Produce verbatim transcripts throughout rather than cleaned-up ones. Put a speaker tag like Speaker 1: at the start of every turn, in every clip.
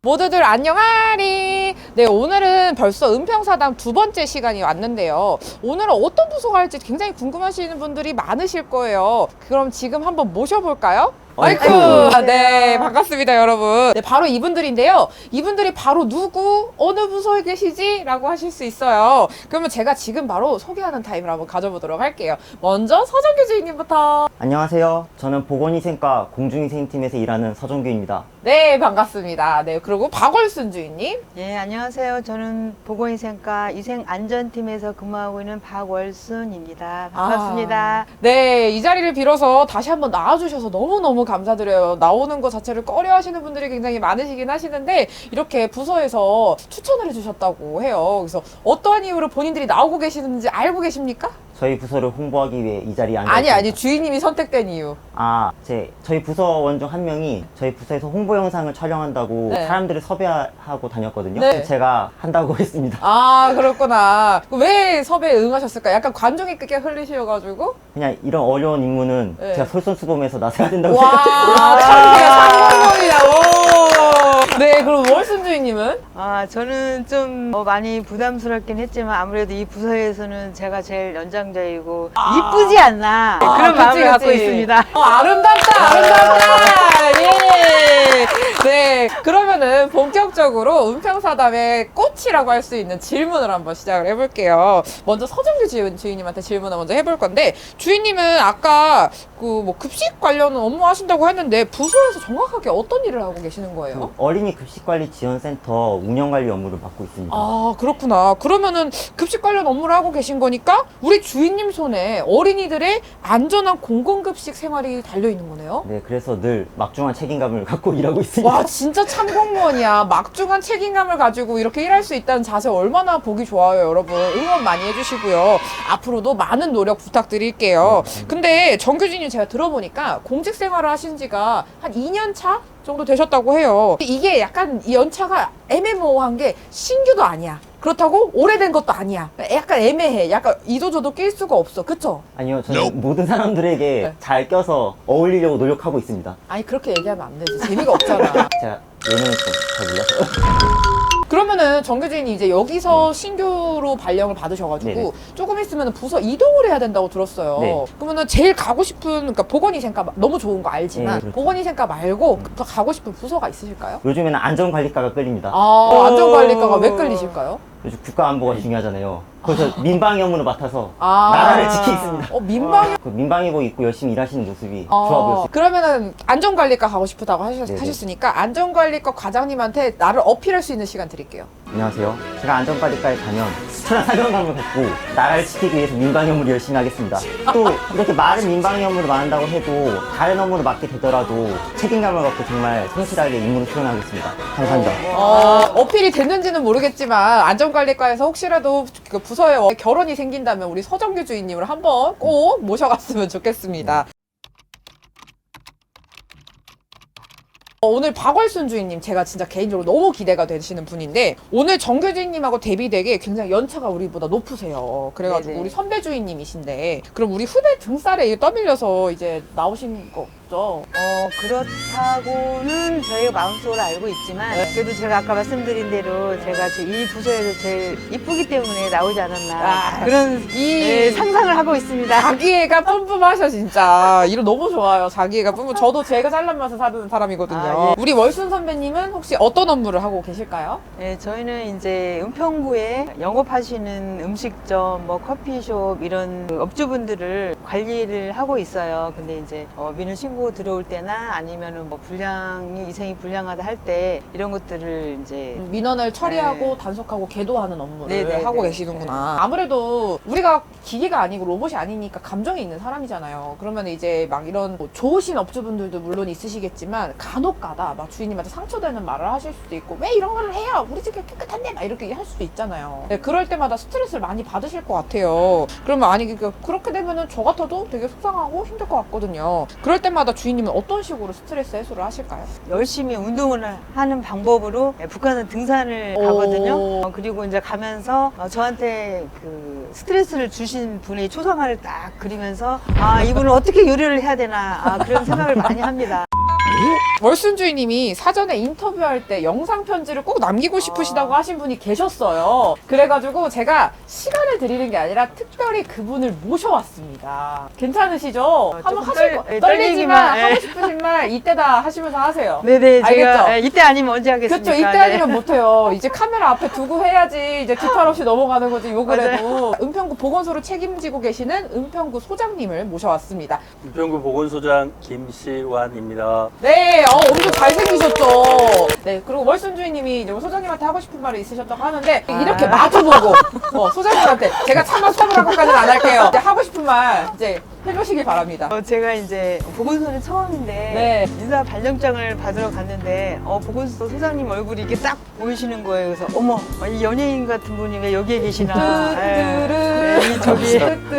Speaker 1: 모두들 안녕하리. 네, 오늘은 벌써 은평사당 두 번째 시간이 왔는데요. 오늘은 어떤 부서가 할지 굉장히 궁금하시는 분들이 많으실 거예요. 그럼 지금 한번 모셔볼까요? 아이쿠!
Speaker 2: 아이쿠.
Speaker 1: 네, 반갑습니다, 여러분. 네, 바로 이분들인데요. 이분들이 바로 누구, 어느 부서에 계시지? 라고 하실 수 있어요. 그러면 제가 지금 바로 소개하는 타임을 한번 가져보도록 할게요. 먼저 서정규 주인님부터.
Speaker 2: 안녕하세요. 저는 보건위생과 공중위생팀에서 일하는 서정규입니다.
Speaker 1: 네, 반갑습니다. 네, 그리고 박월순 주인님.
Speaker 3: 예, 안녕하세요. 저는 보건위생과 위생안전팀에서 근무하고 있는 박월순입니다. 반갑습니다.
Speaker 1: 아, 네, 이 자리를 빌어서 다시 한번 나와주셔서 너무너무 감사드려요. 나오는 것 자체를 꺼려 하시는 분들이 굉장히 많으시긴 하시는데, 이렇게 부서에서 추천을 해주셨다고 해요. 그래서 어떠한 이유로 본인들이 나오고 계시는지 알고 계십니까?
Speaker 2: 저희 부서를 홍보하기 위해 이 자리에 앉아
Speaker 1: 아니,
Speaker 2: 있습니다.
Speaker 1: 아니, 주인님이 선택된 이유.
Speaker 2: 아, 제 저희 부서원 중 한 명이 저희 부서에서 홍보 영상을 촬영한다고
Speaker 1: 네.
Speaker 2: 사람들을 섭외하고 다녔거든요.
Speaker 1: 네.
Speaker 2: 그래서 제가 한다고 했습니다.
Speaker 1: 아, 그렇구나. 왜 섭외에 응하셨을까? 약간 관종이 끄게 흘리셔가지고.
Speaker 2: 그냥 이런 어려운 임무는
Speaker 1: 네.
Speaker 2: 제가 솔선수범해서 나서야 된다고 생각했어요.
Speaker 1: 와, 참기가 상공범이다. 네, 그럼 월순 주인님은?
Speaker 3: 아, 저는 좀 어, 많이 부담스럽긴 했지만 아무래도 이 부서에서는 제가 제일 연장자이고 이쁘지 않나 네, 그런
Speaker 1: 아,
Speaker 3: 마음을
Speaker 1: 그치,
Speaker 3: 갖고
Speaker 1: 그치.
Speaker 3: 있습니다.
Speaker 1: 어, 아름답다, 아름답다. 예. 네, 그러면은 본격적으로 은평사담의 꽃이라고 할 수 있는 질문을 한번 시작을 해볼게요. 먼저 서정규 주인, 주인님한테 질문을 먼저 해볼 건데, 주인님은 아까 그 뭐 급식 관련 업무 하신다고 했는데 부서에서 정확하게 어떤 일을 하고 계시는 거예요?
Speaker 2: 그 어린이 급식관리 지원센터 운영관리 업무를 맡고 있습니다.
Speaker 1: 아, 그렇구나. 그러면은 급식 관련 업무를 하고 계신 거니까 우리 주인님 손에 어린이들의 안전한 공공급식 생활이 달려 있는 거네요.
Speaker 2: 네, 그래서 늘 막중한 책임감을 갖고 일하고 있습니다.
Speaker 1: 와, 진짜 참공무원이야. 막중한 책임감을 가지고 이렇게 일할 수 있다는 자세 얼마나 보기 좋아요, 여러분. 응원 많이 해주시고요. 앞으로도 많은 노력 부탁드릴게요. 근데 정규진님 제가 들어보니까 공직 생활을 하신 지가 한 이 년 차 정도 되셨다고 해요. 이게 약간 이 연차가 애매모호한 게 신규도 아니야. 그렇다고 오래된 것도 아니야. 약간 애매해. 약간 이도저도 낄 수가 없어. 그쵸?
Speaker 2: 아니요, 저는 모든 사람들에게
Speaker 1: 네.
Speaker 2: 잘 껴서 어울리려고 노력하고 있습니다.
Speaker 1: 아니, 그렇게 얘기하면 안 되지. 재미가 없잖아.
Speaker 2: 제가 예능을 좀 잘 몰라서.
Speaker 1: 그러면은 정규진이 이제 여기서 신규로 발령을 받으셔가지고
Speaker 2: 네네.
Speaker 1: 조금 있으면 부서 이동을 해야 된다고 들었어요.
Speaker 2: 네.
Speaker 1: 그러면은 제일 가고 싶은, 그러니까 보건위생과 너무 좋은 거 알지만
Speaker 2: 네, 그렇죠.
Speaker 1: 보건위생과 말고 더 가고 싶은 부서가 있으실까요?
Speaker 2: 요즘에는 안전관리과가 끌립니다.
Speaker 1: 아, 안전관리과가 왜 끌리실까요?
Speaker 2: 요즘 국가안보가 중요하잖아요. 그래서 민방위 업무를 맡아서
Speaker 1: 아,
Speaker 2: 나라를 지키겠습니다.
Speaker 1: 어, 민방위.
Speaker 2: 그 민방위복 입고 열심히 일하시는 모습이
Speaker 1: 아,
Speaker 2: 좋아 보였어요.
Speaker 1: 그러면은 안전관리과 가고 싶다고 하셨,
Speaker 2: 네네.
Speaker 1: 하셨으니까 안전관리과 과장님한테 나를 어필할 수 있는 시간 드릴게요.
Speaker 2: 안녕하세요. 제가 안전관리과에 가면 수천한 사명감을 갖고 나라를 지키기 위해서 민방위 업무를 열심히 하겠습니다. 또 이렇게 많은 민방위 업무를 맡는다고 해도 다른 업무를 맡게 되더라도 책임감을 갖고 정말 성실하게 임무를 수행하겠습니다. 감사합니다.
Speaker 1: 어, 어필이 됐는지는 모르겠지만 안전관리과에서 혹시라도 그 부서에 결혼이 생긴다면 우리 서정규 주인님을 한번 꼭 모셔갔으면 좋겠습니다. 어, 오늘 박월순 주인님 제가 진짜 개인적으로 너무 기대가 되시는 분인데 오늘 정규 주인님하고 대비되게 굉장히 연차가 우리보다 높으세요. 그래가지고
Speaker 3: 네네.
Speaker 1: 우리 선배 주인님이신데 그럼 우리 후배 등살에 이게 떠밀려서 이제 나오신 거죠?
Speaker 3: 어, 그렇다고는 저희가 마음속으로 알고 있지만 그래도 제가 아까 말씀드린 대로 제가 제 이 부서에서 제일 이쁘기 때문에 나오지 않았나
Speaker 1: 아,
Speaker 3: 그런
Speaker 1: 이
Speaker 3: 네, 상상을 하고 있습니다.
Speaker 1: 자기애가 뿜뿜하셔 진짜. 이름 너무 좋아요. 자기애가 뿜뿜. 저도 제가 잘난 맛을 사는 사람이거든요.
Speaker 3: 아, 예.
Speaker 1: 우리 월순 선배님은 혹시 어떤 업무를 하고 계실까요?
Speaker 3: 네, 저희는 이제 은평구에 영업하시는 음식점, 뭐 커피숍 이런 그 업주분들을 관리를 하고 있어요. 근데 이제 어, 민원 신고 들어올 때나 아니면은 뭐 불량이 이생이 불량하다 할 때 이런 것들을 이제
Speaker 1: 민원을 처리하고
Speaker 3: 네.
Speaker 1: 단속하고 계도하는 업무를
Speaker 3: 네네,
Speaker 1: 하고
Speaker 3: 네.
Speaker 1: 계시는구나. 아무래도 우리가 기계가 아니고 로봇이 아니니까 감정이 있는 사람이잖아요. 그러면 이제 막 이런 뭐 좋으신 업주분들도 물론 있으시겠지만 간혹가다 막 주인님한테 상처되는 말을 하실 수도 있고 왜 이런 걸 해요? 우리 집이 깨끗한데 막 이렇게 할 수도 있잖아요. 네, 그럴 때마다 스트레스를 많이 받으실 것 같아요. 그러면 아니 그 그렇게 되면은 저 같아도 되게 속상하고 힘들 것 같거든요. 그럴 때마다 주인님은 어떤 식으로 스트레스 해소를 하실까요?
Speaker 3: 열심히 운동을 하는 방법으로 북한은 등산을
Speaker 1: 오.
Speaker 3: 가거든요. 어, 그리고 이제 가면서 어, 저한테 그 스트레스를 주신 분의 초상화를 딱 그리면서 아 이분은 어떻게 요리를 해야 되나 아, 그런 생각을 많이 합니다.
Speaker 1: 월순 주인님이 사전에 인터뷰할 때 영상 편지를 꼭 남기고 싶으시다고 하신 분이 계셨어요. 그래가지고 제가 시간을 드리는 게 아니라 특별히 그분을 모셔왔습니다. 괜찮으시죠? 한번
Speaker 3: 조금
Speaker 1: 하실
Speaker 3: 떨-
Speaker 1: 거
Speaker 3: 예,
Speaker 1: 떨리지만
Speaker 3: 떨리기만, 예.
Speaker 1: 하고 싶으신 말 이때다 하시면서 하세요.
Speaker 3: 네네, 제가
Speaker 1: 알겠죠?
Speaker 3: 예, 이때 아니면 언제 하겠습니까?
Speaker 1: 그렇죠. 이때
Speaker 3: 네.
Speaker 1: 아니면 못해요. 이제 카메라 앞에 두고 해야지 이제 뒷팔 없이 넘어가는 거지 욕을 해도. 은평구 보건소를 책임지고 계시는 은평구 소장님을 모셔왔습니다.
Speaker 4: 은평구 보건소장 김시환입니다.
Speaker 1: 네, 어, 엄청 잘생기셨죠. 네, 그리고 월순 주인님이 이제 소장님한테 하고 싶은 말이 있으셨다고 하는데 이렇게
Speaker 3: 아.
Speaker 1: 마주보고 어, 소장님한테 제가 차마 수업을 하고까지는 안 할게요. 이제 하고 싶은 말 이제 해주시기 바랍니다.
Speaker 3: 어, 제가 이제 보건소는 처음인데
Speaker 1: 네.
Speaker 3: 인사 발령장을 받으러 갔는데 어, 보건소 소장님 얼굴이 이게 딱 보이시는 거예요. 그래서 어머 이 연예인 같은 분이 왜 여기에 계시나. 예. 네, 이 저기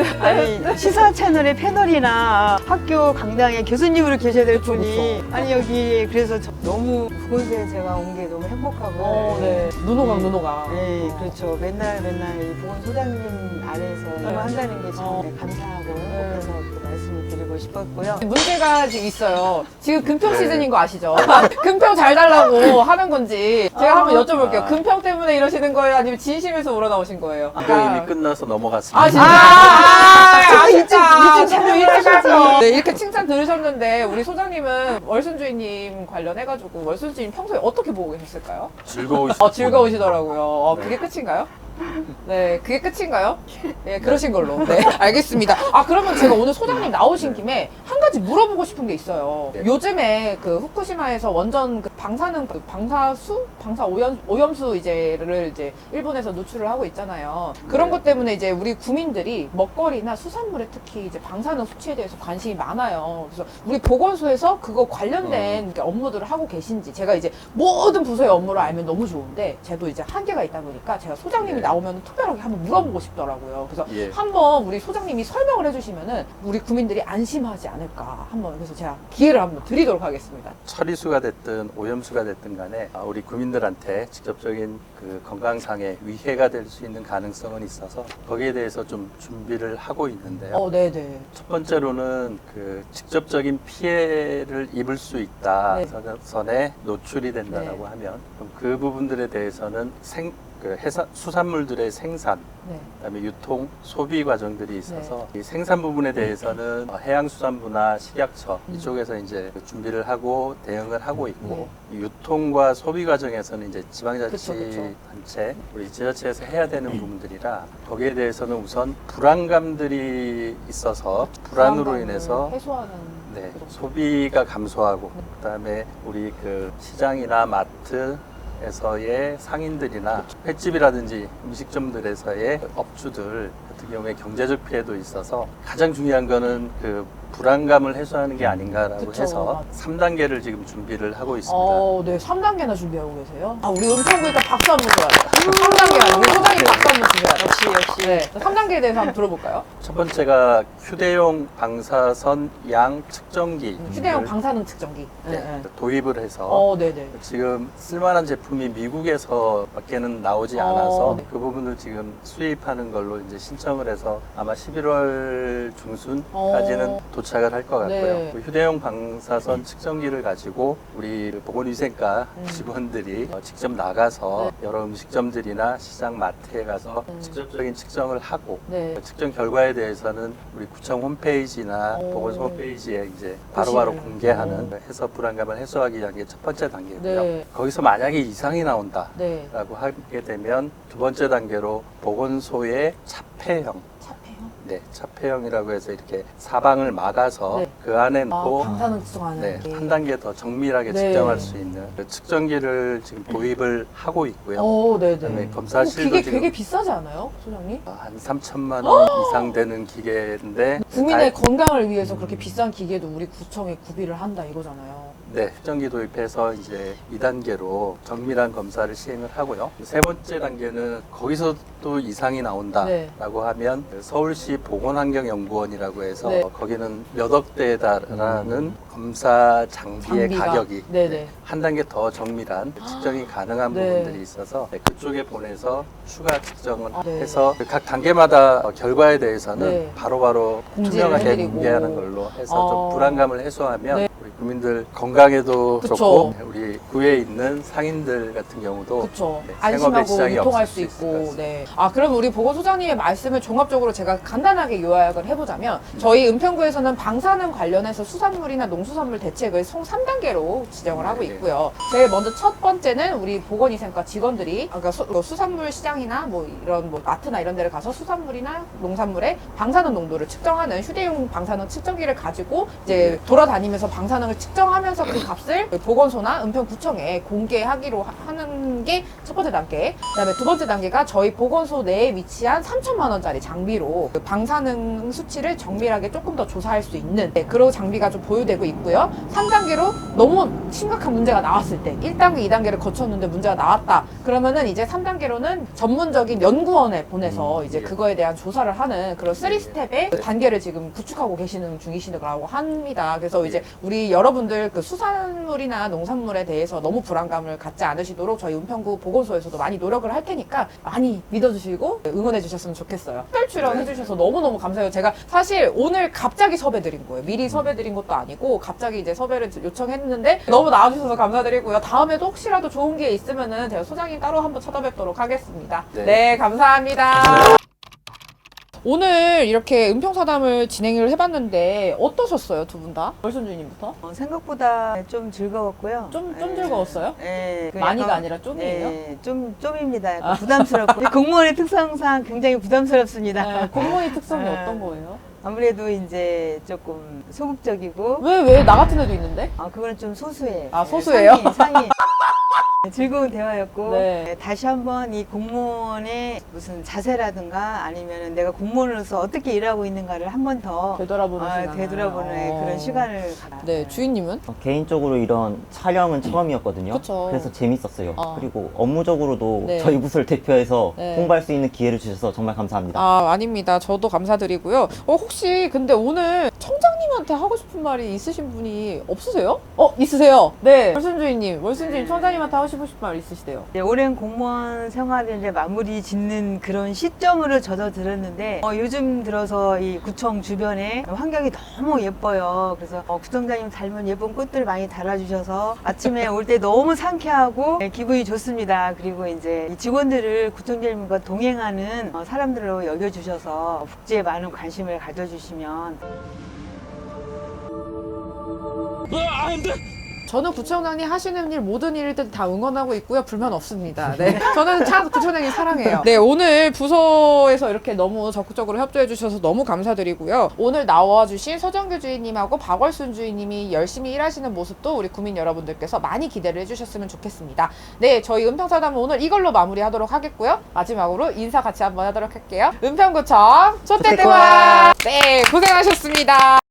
Speaker 3: 아니 시사 채널의 패널이나 학교 강당에 교수님으로 계셔야 될 분이 아니 여기 그래서 저 너무 보건소에 제가 온 게 너무 행복하고
Speaker 1: 어, 네. 눈호강, 눈호강.
Speaker 3: 네, 그렇죠. 맨날 맨날 이 보건소장님 아래에서 일을 한다는 게 참
Speaker 1: 어.
Speaker 3: 감사하고 그래서 그 말씀을 드리고 싶었고요.
Speaker 1: 문제가 지금 있어요. 지금 금평
Speaker 4: 네.
Speaker 1: 시즌인 거 아시죠? 금평 잘 달라고 하는 건지 제가 한번 여쭤볼게요.
Speaker 4: 아.
Speaker 1: 금평 때문에 이러시는 거예요? 아니면 진심에서 우러나오신 거예요?
Speaker 4: 이거 이미 끝나서 넘어갔습니다.
Speaker 1: 아 진짜?
Speaker 3: 아,
Speaker 1: 아,
Speaker 3: 일찍,
Speaker 1: 진짜?
Speaker 3: 일찍
Speaker 1: 너무
Speaker 3: 참여를
Speaker 1: 일찍
Speaker 3: 하셔야지.
Speaker 1: 하죠. 네, 이렇게 칭찬 들으셨는데 우리 소장님은 월순 주인님 관련해가지고 월순 주인 평소에 어떻게 보고 계셨을까요?
Speaker 4: 즐거우시
Speaker 1: 어, 즐거우시더라고요. 어, 그게 끝인가요? 네, 그게 끝인가요? 네, 그러신 걸로. 네, 알겠습니다. 아, 그러면 제가 오늘 소장님 나오신 김에 한 가지 물어보고 싶은 게 있어요.
Speaker 4: 네.
Speaker 1: 요즘에 그 후쿠시마에서 원전 그 방사능, 그 방사수? 방사 오염, 오염수 이제를 이제 일본에서 노출을 하고 있잖아요. 그런
Speaker 4: 네.
Speaker 1: 것 때문에 이제 우리 구민들이 먹거리나 수산물에 특히 이제 방사능 수치에 대해서 관심이 많아요. 그래서 우리 보건소에서 그거 관련된 게 업무들을 하고 계신지 제가 이제 모든 부서의 업무를 알면 너무 좋은데 저도 이제 한계가 있다 보니까 제가 소장님이
Speaker 4: 네.
Speaker 1: 나오면 특별하게 한번 물어보고 싶더라고요. 그래서
Speaker 4: 예.
Speaker 1: 한번 우리 소장님이 설명을 해주시면은 우리 구민들이 안심하지 않을까 한번 그래서 제가 기회를 한번 드리도록 하겠습니다.
Speaker 4: 처리수가 됐든 오염수가 됐든 간에 아, 우리 국민들한테 직접적인 그 건강상의 위해가 될 수 있는 가능성은 있어서 거기에 대해서 좀 준비를 하고 있는데요.
Speaker 1: 어, 네네.
Speaker 4: 첫 번째로는 그 직접적인 피해를 입을 수 있다
Speaker 1: 네.
Speaker 4: 선에 노출이 된다라고
Speaker 1: 네.
Speaker 4: 하면 그럼 그 부분들에 대해서는 생, 그 해산, 수산물들의 생산
Speaker 1: 네.
Speaker 4: 그다음에 유통, 소비 과정들이 있어서 이 생산 부분에 대해서는 어, 해양수산부나 식약처
Speaker 1: 음.
Speaker 4: 이쪽에서 이제 준비를 하고 대응을 하고 있고
Speaker 1: 네.
Speaker 4: 이 유통과 소비 과정에서는 이제
Speaker 1: 그쵸, 그쵸.
Speaker 4: 지방자치단체, 우리 지자체에서 해야 되는 부분들이라 거기에 대해서는 우선 불안감들이 있어서 불안으로
Speaker 1: 불안감을
Speaker 4: 인해서
Speaker 1: 해소하는
Speaker 4: 네,
Speaker 1: 그렇죠.
Speaker 4: 소비가 감소하고 그다음에 우리 그 시장이나 마트 에서의 상인들이나 횟집이라든지 음식점들에서의 업주들 같은 경우에 경제적 피해도 있어서 가장 중요한 거는 그 불안감을 해소하는 게 아닌가라고
Speaker 1: 그쵸.
Speaker 4: 해서 삼 단계를 지금 준비를 하고 있습니다.
Speaker 1: 어, 네, 삼 단계나 준비하고 계세요? 아, 우리 은평구니까 박수 한번 줘야 돼요. 삼 단계 아니고 우리 소장님 박수 한번 주셔야 돼요.
Speaker 3: 역시 역시.
Speaker 1: 네, 삼 단계에 대해서 한번 들어볼까요?
Speaker 4: 첫 번째가 휴대용 방사선 양 측정기
Speaker 1: 휴대용 방사능 측정기. 네,
Speaker 4: 네,
Speaker 1: 네.
Speaker 4: 도입을 해서
Speaker 1: 어, 네네.
Speaker 4: 지금 쓸만한 제품이 미국에서밖에는 나오지
Speaker 1: 어,
Speaker 4: 않아서
Speaker 1: 네.
Speaker 4: 그 부분을 지금 수입하는 걸로 이제 신청을 해서 아마 십일월 중순까지는
Speaker 1: 어.
Speaker 4: 도착을 할 것 같고요.
Speaker 1: 네.
Speaker 4: 그 휴대용 방사선 측정기를 가지고 우리 보건위생과
Speaker 1: 음.
Speaker 4: 직원들이 어, 직접 나가서
Speaker 1: 네.
Speaker 4: 여러 음식점들이나 시장 마트에 가서
Speaker 1: 음.
Speaker 4: 직접적인 측정을 하고
Speaker 1: 네.
Speaker 4: 그 측정 결과에 대해서는 우리 구청 홈페이지나
Speaker 1: 오.
Speaker 4: 보건소 홈페이지에 이제 바로바로
Speaker 1: 보시는.
Speaker 4: 공개하는
Speaker 1: 오.
Speaker 4: 해서 불안감을 해소하기 위한 게 첫 번째 단계고요.
Speaker 1: 네.
Speaker 4: 거기서 만약에 이상이 나온다.
Speaker 1: 네.
Speaker 4: 라고 하게 되면 두 번째 단계로 보건소의 차폐형,
Speaker 1: 차폐요?
Speaker 4: 네, 차폐형이라고 해서 이렇게 사방을 막아서
Speaker 1: 네.
Speaker 4: 그 안에
Speaker 1: 아,
Speaker 4: 놓고
Speaker 1: 방사능 측정하는
Speaker 4: 네,
Speaker 1: 게.
Speaker 4: 한 단계 더 정밀하게
Speaker 1: 네.
Speaker 4: 측정할 수 있는 그 측정기를 지금 도입을 하고 있고요.
Speaker 1: 어, 네네.
Speaker 4: 그다음에
Speaker 1: 어,
Speaker 4: 검사실도
Speaker 1: 기계
Speaker 4: 지금
Speaker 1: 되게 비싸지 않아요, 소장님?
Speaker 4: 한 삼천만 원 이상 되는 기계인데
Speaker 1: 국민의
Speaker 4: 다-
Speaker 1: 건강을 위해서 그렇게 비싼 기계도 우리 구청에 구비를 한다 이거잖아요.
Speaker 4: 네, 측정기 도입해서 이제 이 단계로 정밀한 검사를 시행을 하고요. 세 번째 단계는 거기서 또 이상이 나온다라고
Speaker 1: 네.
Speaker 4: 하면 서울시 보건환경연구원이라고 해서
Speaker 1: 네.
Speaker 4: 거기는 몇 억대에 달하는 검사 장비의
Speaker 1: 장비가.
Speaker 4: 가격이
Speaker 1: 네네.
Speaker 4: 한 단계 더 정밀한 측정이 가능한
Speaker 1: 네.
Speaker 4: 부분들이 있어서 그쪽에 보내서 추가 측정을
Speaker 1: 아, 네.
Speaker 4: 해서 각 단계마다 결과에 대해서는
Speaker 1: 네.
Speaker 4: 바로바로
Speaker 1: 공지를
Speaker 4: 투명하게
Speaker 1: 해드리고.
Speaker 4: 공개하는 걸로 해서
Speaker 1: 어.
Speaker 4: 좀 불안감을 해소하면
Speaker 1: 네.
Speaker 4: 우리 국민들 건강 건강에도
Speaker 1: 그쵸.
Speaker 4: 좋고 우리 구에 있는 상인들 같은 경우도
Speaker 1: 그렇죠.
Speaker 4: 네, 생업의
Speaker 1: 안심하고
Speaker 4: 지장이
Speaker 1: 유통할
Speaker 4: 없을
Speaker 1: 수
Speaker 4: 수 있을 것
Speaker 1: 있고.
Speaker 4: 같습니다.
Speaker 1: 네. 아 그럼 우리 보건소장님의 말씀을 종합적으로 제가 간단하게 요약을 해보자면 저희 은평구에서는 방사능 관련해서 수산물이나 농수산물 대책을 총 삼 단계로 지정을 하고
Speaker 4: 네.
Speaker 1: 있고요. 제일 먼저 첫 번째는 우리 보건위생과 직원들이 그러니까 수, 뭐 수산물 시장이나 뭐 이런 뭐 마트나 이런 데를 가서 수산물이나 농산물의 방사능 농도를 측정하는 휴대용 방사능 측정기를 가지고 이제 돌아다니면서 방사능을 측정하면서 그 값을 보건소나 은평구청에 공개하기로 하- 하는 게 첫 번째 단계. 그다음에 두 번째 단계가 저희 보건소 내에 위치한 삼천만 원짜리 장비로 그 방사능 수치를 정밀하게 조금 더 조사할 수 있는 네, 그런 장비가 좀 보유되고 있고요. 삼 단계로 너무 심각한 문제가 나왔을 때 일 단계, 이 단계를 거쳤는데 문제가 나왔다. 그러면은 이제 삼 단계로는 전문적인 연구원에 보내서
Speaker 2: 음,
Speaker 1: 이제
Speaker 4: 예.
Speaker 1: 그거에 대한 조사를 하는 그런 쓰리 스텝의 단계를 지금 구축하고 계시는 중이시라고 합니다. 그래서 이제 우리 여러분들 그 수산물이나 농산물에 대해서 너무 불안감을 갖지 않으시도록 저희 은평구 보건소에서도 많이 노력을 할 테니까 많이 믿어주시고 응원해 주셨으면 좋겠어요. 특별 출연해 주셔서 너무너무 감사해요. 제가 사실 오늘 갑자기 섭외드린 거예요. 미리 섭외드린 것도 아니고 갑자기 이제 섭외를 요청했는데 너무 나와주셔서 감사드리고요. 다음에도 혹시라도 좋은 기회 있으면은 제가 소장님 따로 한번 찾아뵙도록 하겠습니다. 네,
Speaker 4: 네.
Speaker 1: 감사합니다. 오늘 이렇게 은평사담을 진행을 해봤는데 어떠셨어요, 두 분 다? 월순주님부터?
Speaker 3: 어, 생각보다 좀 즐거웠고요.
Speaker 1: 좀- 좀
Speaker 3: 예.
Speaker 1: 즐거웠어요?
Speaker 3: 예. 그
Speaker 1: 많이가
Speaker 3: 약간-
Speaker 1: 아니라 좀이에요?
Speaker 3: 예, 좀, 좀입니다. 약간 부담스럽고. 이 공무원의 특성상 굉장히 부담스럽습니다.
Speaker 1: 네, 공무원의 특성이
Speaker 3: 네.
Speaker 1: 어떤 거예요?
Speaker 3: 아무래도 이제 조금 소극적이고,
Speaker 1: 왜, 왜 나 같은 애도 있는데?
Speaker 3: 아, 그거는 좀 소수예요.
Speaker 1: 아,
Speaker 3: 예,
Speaker 1: 소수예요?
Speaker 3: 상위, 상위. 즐거운 대화였고,
Speaker 1: 네.
Speaker 3: 예, 다시 한번 이 공무원의 무슨 자세라든가 아니면 내가 공무원으로서 어떻게 일하고 있는가를 한 번 더
Speaker 1: 되돌아보는
Speaker 3: 아,
Speaker 1: 시간.
Speaker 3: 되돌아보는
Speaker 1: 어.
Speaker 3: 그런 시간을 갖-
Speaker 1: 네, 주인님은?
Speaker 2: 어, 개인적으로 이런 촬영은 처음이었거든요.
Speaker 1: 그쵸.
Speaker 2: 래서 재밌었어요.
Speaker 1: 어.
Speaker 2: 그리고 업무적으로도
Speaker 1: 네.
Speaker 2: 저희 부서를 대표해서
Speaker 1: 네.
Speaker 2: 홍보할 수 있는 기회를 주셔서 정말 감사합니다.
Speaker 1: 아, 아닙니다. 저도 감사드리고요. 어, 혹시 근데 오늘 청장님한테 하고 싶은 말이 있으신 분이 없으세요? 어, 있으세요? 네. 월순주인님, 월순주인 청장님한테 하고 싶은 말 있으시대요?
Speaker 3: 네, 오랜 공무원 생활을 이제 마무리 짓는 그런 시점으로 저도 들었는데 어, 요즘 들어서 이 구청 주변에 환경이 너무 예뻐요. 그래서 어, 구청장님 닮은 예쁜 꽃들 많이 달아주셔서 아침에 올 때 너무 상쾌하고 네, 기분이 좋습니다. 그리고 이제 이 직원들을 구청장님과 동행하는 어, 사람들로 여겨주셔서 복지에 많은 관심을 가져주시면
Speaker 1: 저는 구청장님 하시는 일 모든 일들 다 응원하고 있고요. 불만 없습니다. 네. 저는 참 구청장님 사랑해요. 네, 오늘 부서에서 이렇게 너무 적극적으로 협조해 주셔서 너무 감사드리고요. 오늘 나와주신 서정규 주인님하고 박월순 주인님이 열심히 일하시는 모습도 우리 구민 여러분들께서 많이 기대를 해주셨으면 좋겠습니다. 네, 저희 은평사담은 오늘 이걸로 마무리하도록 하겠고요. 마지막으로 인사 같이 한번 하도록 할게요. 은평구청 초대대왕! 네, 고생하셨습니다.